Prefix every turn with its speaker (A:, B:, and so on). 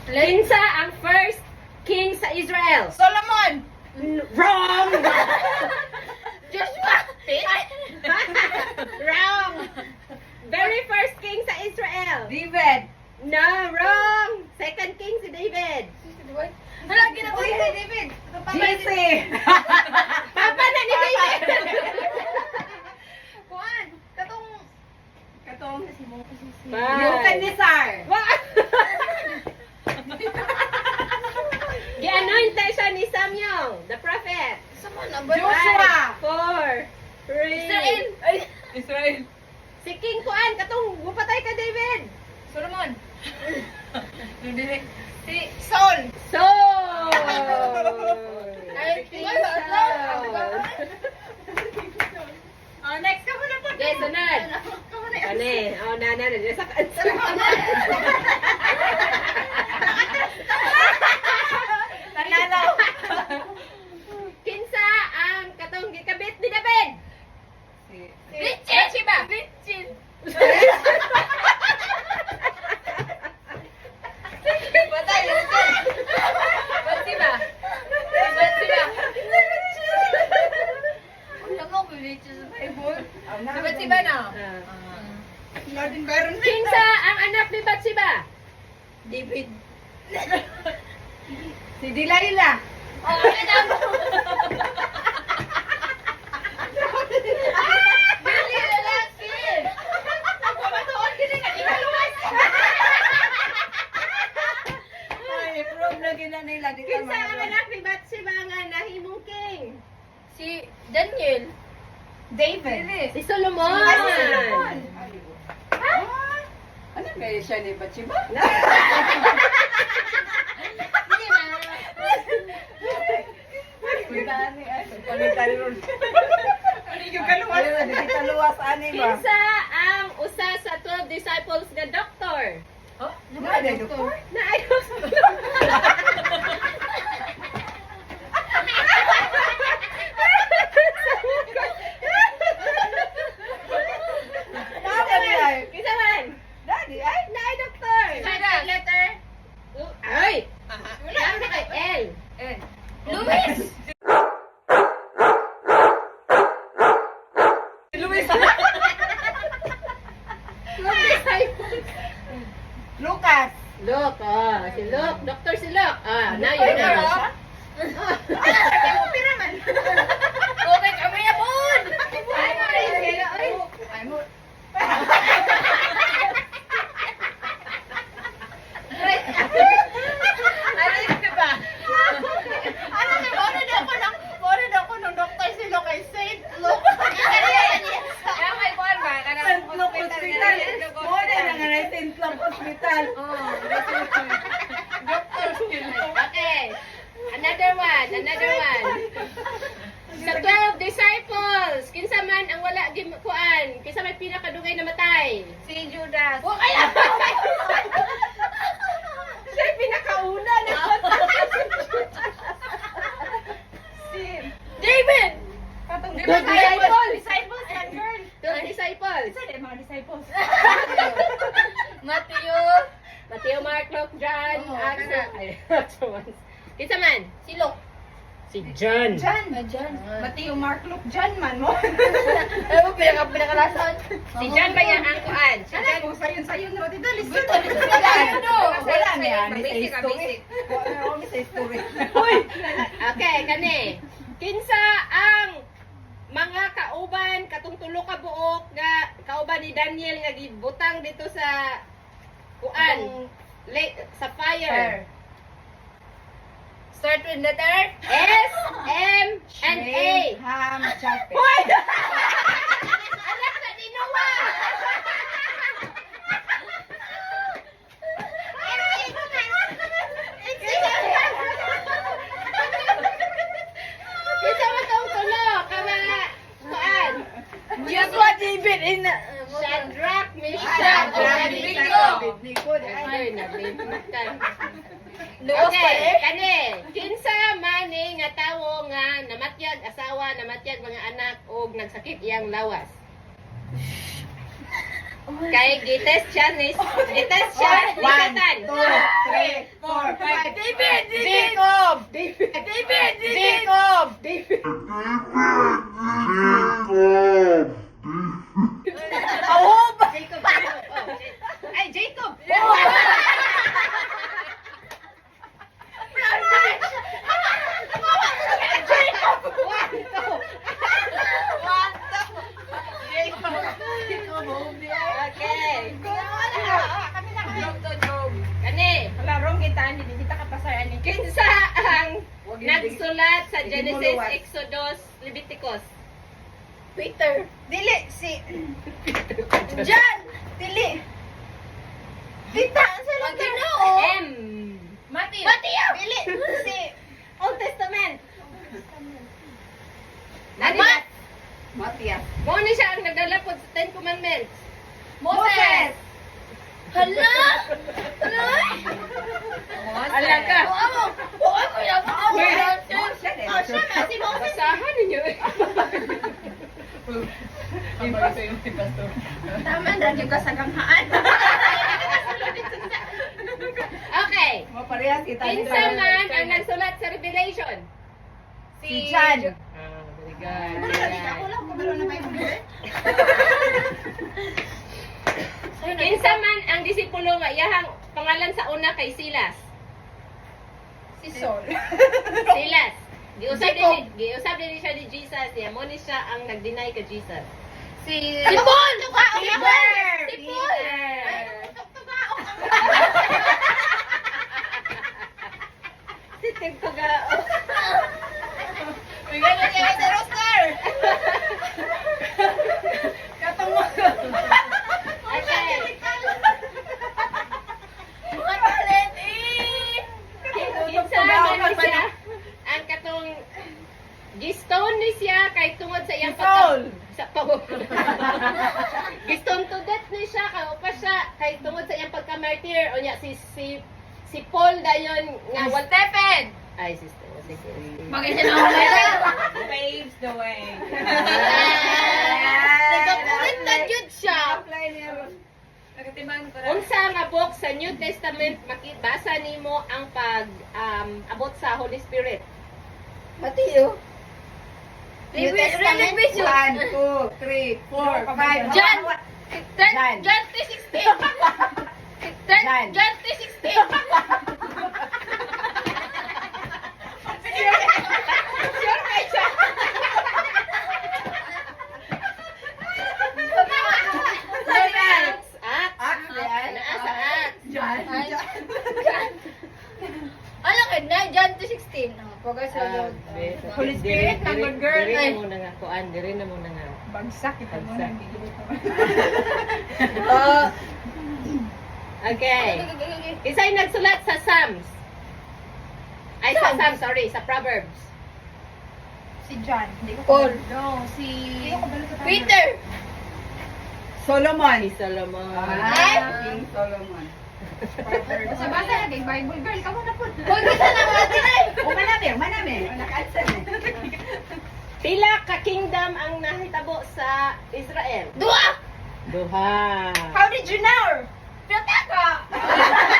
A: Kinsa ang first king sa Israel?
B: Solomon!
A: Wrong!
B: Joshua!
A: Wrong! Very first king sa Israel.
B: David!
A: No, wrong! Second king si David.
B: Hala, ginagawa si David!
C: JC!
A: Papa na ni David!
B: Kuan! Katong...
A: Bye.
C: Yukanisar!
A: Gi-anointed siya ni Samuel, the prophet.
B: Sama na ba?
C: Joshua!
A: 4, 3.
B: Israel! Ay!
C: Israel!
A: Si King Kuan, katong bupatay ka David.
B: Solomon! Si Saul!
A: So!
B: Ay,
A: King
B: wala,
A: Saul.
B: Oh, next ka muna po!
A: Okay, sunod. Kani, nana na sa kansa.
B: Nanalo!
A: Kinsa ang katong gikabit ni David?
B: Richie! Shiba! Richie! Patay! Ba't ba? Wala mo ko Richie sa Bible. Ba't ba na?
A: Kinsa ang anak ni Bathsheba?
B: David.
C: Si Delilah!
B: Oh, wala mo! Dili lalaki! Pamatuon kini ka, ikaluwas!
C: Ay, prove na gina nila. Di ka
A: Kinsa ang anak ni Bathsheba nga nahimong king?
B: Si Daniel.
C: David!
A: Si Solomon.
C: Ay, si Solomon! Ano kaya siya ni Bathsheba?
B: Hindi na.
C: Palitan ron. Yung kaluwas. Di kaluwas, ani ba?
A: Kinsa ang usa sa 12 disciples nga doktor?
B: Oh,
C: Ano, doktor?
A: Naayos.
C: Tama niya.
A: Kinsa man?
C: Daddy, ay?
A: Naay doktor.
B: Letter.
A: Ay. Wala na kay L.
B: Luis.
C: Si Luis.
A: 12 disciples.
C: Lucas.
A: Luke, si Luke, Dr. si Luke. Now you
B: Ay,
A: know.
B: pero-
A: Ay, mo piraman.
B: Okay, kami na po.
A: Ay, ay.
B: Ay mo. Ano yun ba? Ano yun? Ano daw ko nung doktor sila kay St. Luke. Kaya may kuhan ba?
C: St. Luke Hospital. Muna na nga na St. Luke Hospital.
B: Doktor sila.
A: Okay. Another one. Sa 12 disciples, kinsa man ang wala gimukuan, kinsa man pinakadugay na matay.
B: Si Judas.
A: O kaya siya pinakauna na matay.
B: Si David.
A: Katong disciples.
B: Disciples and girl.
A: 12 disciples.
B: Saan mga disciples? Matthew.
A: Matthew, Mark, Luke, John,
B: Oo,
A: Acts.
B: kana.
A: Ay, kinsa man?
B: Si Luke.
A: Si John.
C: John.
B: John.
C: Matthew, Mark, Luke, John man mo.
B: Ay mo, pinakalasan.
A: Si John ba yan ang kuan? Si John.
C: Kung sayon-sayon na ito, dali.
B: Wala
C: niya. May
B: Basic,
C: sa history.
B: basic.
C: Wala may sa history.
A: Okay, kani. Kinsa ang mga kauban katong tulo ka buok nga kauban ni Daniel nga gibutang dito sa kuan sa fire.
B: Start with letter.
A: S, M, and A.
C: Ham, Chapel.
A: Hoy! Anak sa dinuwa! Kinsa man tong tulo ka mga kuan?
C: Joshua, David, in
A: Shadrach, Meshach,
B: Shadrach,
A: Abednego.
C: Abednego.
A: Ay, nabintan.
B: Luwas pa
A: Okay,
B: eh.
A: kani. Kinsa man ni nga tawo nga namatyag asawa, namatyag mga anak ug nagsakit iyang lawas. Kay gitest siya ni gitest siya ni
C: 1,
A: Satan.
C: 2, 3, 4, Awob!
A: Jacob. Oh. Ay, Jacob. Okay. Kani,
B: Larong kita, hindi kita kapasayaan ni
A: kinsa ang nagsulat sa Genesis, Exodus, Leviticus?
B: Peter. Dili, si... John! Dili! Tita, sa lang Ginoo!
A: M.
B: Matthew! Dili! Si...
A: Old Testament.
B: Mat!
C: Matias.
A: Mo ni siya ang nagdala po sa Ten Commandments.
B: Moses! Hala! Hala!
C: Ala ka.
B: Buwan mo yan!
C: Wait.
B: Oh, siya na! Si Moses!
A: Basahan ninyo.
B: Tama na, yung kasaganghaan.
A: Okay.
C: Maparehas kita.
A: Kinsa man ang nagsulat sa Revelation?
C: Si John.
A: Very good.
B: Ako lang, kabalo na may
A: Kinsa man ang disipulo nga iyahang pangalan sa una kay Silas?
B: Si Sol.
A: Silas. Giusab din siya ni Jesus. Niya mo ni siya ang nag-deny kay Jesus.
B: Si Paul! Si Paul! Si Paul!
A: Peter. Si Tigtugao.
B: May ganyan niya kay Roster!
A: Okay.
B: Mga talent eh!
A: Kinsa man ni siya ang katong gistone ni siya kay tungod sa iyang
C: Saul.
A: sa gistone to death ni siya kay upa siya kay tungod sa iyang pagka-martyr o niya si Paul dayon nga
B: Stephen!
A: ay si Stephen. Sige.
B: Bagay siya na
C: Paves the way.
B: Nagkapulit na jud siya!
A: Unsa nga book sa New Testament makibasa nimo ang pag abot sa Holy Spirit?
C: Mateo.
B: New Testament.
C: 1, 2, 3, 4, 5.
B: John!
C: John.
B: John 3:16!
C: John.
B: John 3:16!
A: Sure kay siya. Acts.
C: Acts, yan.
A: Naa sa Acts.
C: John.
B: Ano ka na? John 2:16. Pagay sa Lord.
C: Holy Spirit, na good girl.
A: Diri na mo na nga kuan, diri na mo na nga.
C: Bagsak kita mo
A: Bagsak.
C: Oh.
A: Okay. Isa'y nagsulat sa Psalms. Ay, sa Psalms, sorry, sa Proverbs.
B: Si John.
C: Paul.
B: No, si... Peter!
C: Solomon.
A: Si Solomon.
C: King Solomon.
B: Basa-basa na kay Bible girl. Kamu na po. Huwag kita na mga tinay!
C: Manami. Naka-answer na.
A: Pila ka kingdom ang nahitabo sa Israel?
B: Dua!
A: Duha.
B: How did you know? Pila ka!